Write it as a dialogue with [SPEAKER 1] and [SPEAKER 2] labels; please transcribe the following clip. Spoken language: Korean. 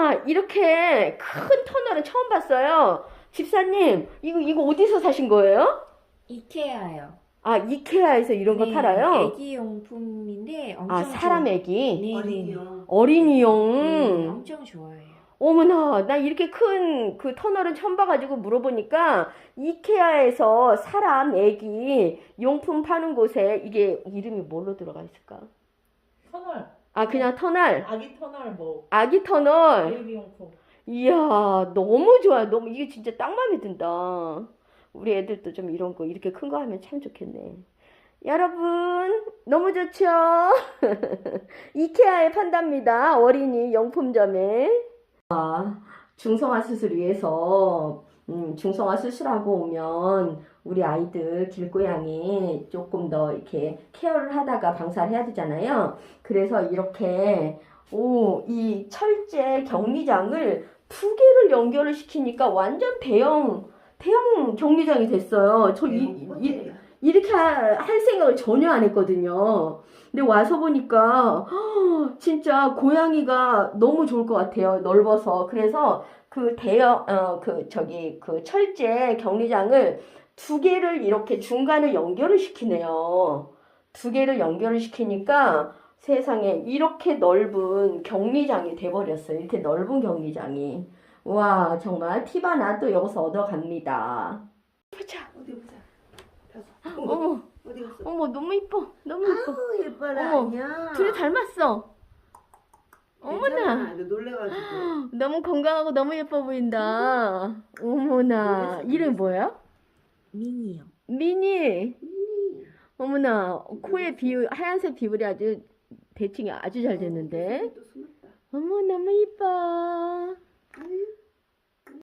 [SPEAKER 1] 와, 이렇게 큰 터널은 처음 봤어요. 집사님, 이거 어디서 사신 거예요?
[SPEAKER 2] 이케아요.
[SPEAKER 1] 아, 이케아에서 이런 거
[SPEAKER 2] 네,
[SPEAKER 1] 팔아요?
[SPEAKER 2] 애기 용품인데
[SPEAKER 1] 아,
[SPEAKER 2] 엄청
[SPEAKER 1] 사람 애기?
[SPEAKER 2] 네네.
[SPEAKER 3] 어린이용.
[SPEAKER 1] 어린이용.
[SPEAKER 2] 엄청 좋아해요.
[SPEAKER 1] 어머나, 나 이렇게 큰 그 터널은 처음 봐가지고 물어보니까 이케아에서 사람, 애기, 용품 파는 곳에 이게 이름이 뭘로 들어가 있을까?
[SPEAKER 3] 터널.
[SPEAKER 1] 아, 그냥 터널.
[SPEAKER 3] 아기 터널 뭐
[SPEAKER 1] 아기 터널.
[SPEAKER 3] 베이비용품.
[SPEAKER 1] 이야, 너무 좋아요. 너무, 이게 진짜 딱 마음에 든다. 우리 애들도 좀 이런 거, 이렇게 큰 거 하면 참 좋겠네. 여러분, 너무 좋죠? 이케아에 판답니다. 어린이 용품점에. 중성화 수술 위해서 중성화 수술하고 오면 우리 아이들 길고양이 조금 더 이렇게 케어를 하다가 방사를 해야 되잖아요. 그래서 이렇게 이 철제 격리장을 두 개를 연결을 시키니까 완전 대형 격리장이 됐어요. 저 이렇게 할 생각을 전혀 안 했거든요. 근데 와서 보니까 진짜 고양이가 너무 좋을 것 같아요. 넓어서. 그래서 그 그 철제 격리장을 두 개를 이렇게 중간을 연결을 시키네요. 두 개를 연결을 시키니까 세상에 이렇게 넓은 격리장이 돼버렸어요. 이렇게 넓은 격리장이. 와, 정말 팁 하나 또 여기서 얻어갑니다. 보자.
[SPEAKER 3] 어디 보자.
[SPEAKER 1] 어머,
[SPEAKER 3] 어디 갔어?
[SPEAKER 1] 어머, 너무 이뻐. 너무 이뻐.
[SPEAKER 3] 아우 예뻐라.
[SPEAKER 1] 어머,
[SPEAKER 3] 야.
[SPEAKER 1] 둘이 닮았어. 어머나.
[SPEAKER 3] 괜찮아. 너 놀래가지고.
[SPEAKER 1] 너무 건강하고 너무 예뻐 보인다. 어머나.
[SPEAKER 3] 놀랬어,
[SPEAKER 1] 이름이 뭐야?
[SPEAKER 2] 미니요.
[SPEAKER 1] 미니. 어머나. 코에 하얀색 비율이 아주 대칭이 아주 잘 됐는데.
[SPEAKER 3] 또 숨었다.
[SPEAKER 1] 어머, 너무 이뻐.